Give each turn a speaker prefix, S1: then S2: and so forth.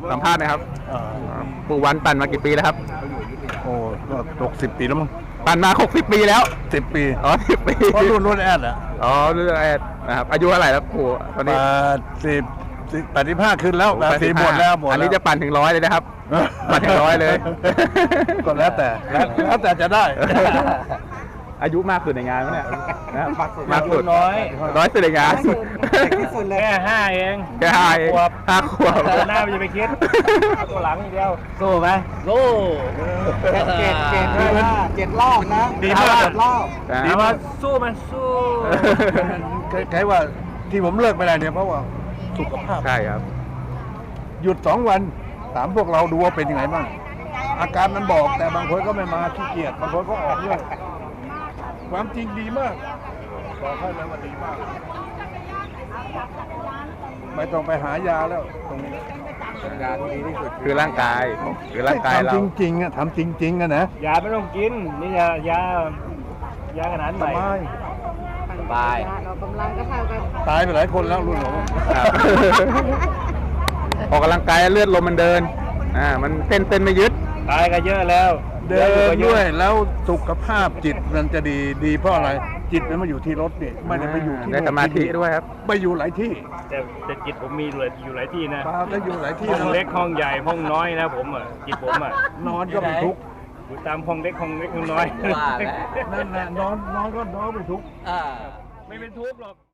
S1: สัมภาษณ์หนะครับปู่วันปั่นมากี่ปีแล้วครับ
S2: โอ้ก็60 ปีแล้วมั้ง
S1: ปั่นมา60 ปีแล้ว
S2: 10 ปี
S1: อ๋อ10 ปี
S2: เพราะรุ่นแอดอ่ะ
S1: อ๋อรุ่นแอดนะครับอายุเท่าไหร่แล้วปู่ตอนนี้
S2: 85ขึ้นแล้ว80หมดแล้ว
S1: อันนี้จะปั่นถึง100เลยนะครับปั่นถึง100เลย
S2: ก็แล้วแต่จะได้
S1: อายุมากสุดในงานเนี่ยนะ
S2: มากสุดน้
S1: อยสุดในงาน
S3: ที่สุดเลยแค่5 เอง
S1: แค่5 ขวบ
S3: หน้ามันจะไปคิดตัวหลังอีกเดียว
S2: สู้ไหม
S3: สู้
S2: 7 รอบนะ
S3: ดีมาก
S2: รอบ
S3: ดีมากสู้มันสู้
S2: ใครว่าที่ผมเลิกไม่ได้เนี่ยเพราะว่าสุขภาพ
S1: ใช่ครับ
S2: หยุด2 วันถามพวกเราดูว่าเป็นยังไงบ้างอาการมันบอกแต่บางคนก็ไม่มาขี้เกียจบางคนก็ออกด้วยความจริงดีมากบอกให้เลยว่าดีมากไม่ต้องไปหายาแล้วตรงนี้
S1: ยาที่ดีที่สุดคือร่างกายเรา
S2: ทำจริงๆอะทำจริงๆอะนะ
S3: ยาไม่ต้องกินนี่ยาขนาดใหม่
S1: สบาย
S4: เรากำลังก็เท่ากัน
S2: ตายไปหลายคนแล้วรุ่นหนู
S1: ออกกำลังกายเลือดลมมันเดินมันเต้นไม่ยึด
S3: ตายก็เยอะแล้ว
S2: เดินด้วยแล้วสุขภาพจิตมันจะดีเพราะอะไรจิตมันมาอยู่ที่รถนี่ไม่ได้ไปอยู่ที่
S1: ในสมาธิด้วยครับ
S2: ไปอยู่หลายที่
S3: แต่จิตผมมีอยู่หลายที่นะ
S2: ก็อยู่หลายที่
S3: ห้องเล็กห้องใหญ่ห้องน้อยนะผมจิตผม
S2: นอนก็เป็นทุกข์
S3: อยู่ตามห้องเล็กห้องน้อย
S2: นั่นแหละนอนก็นอนเป็นทุกข์
S3: ไม่เป็นทุกข์หรอก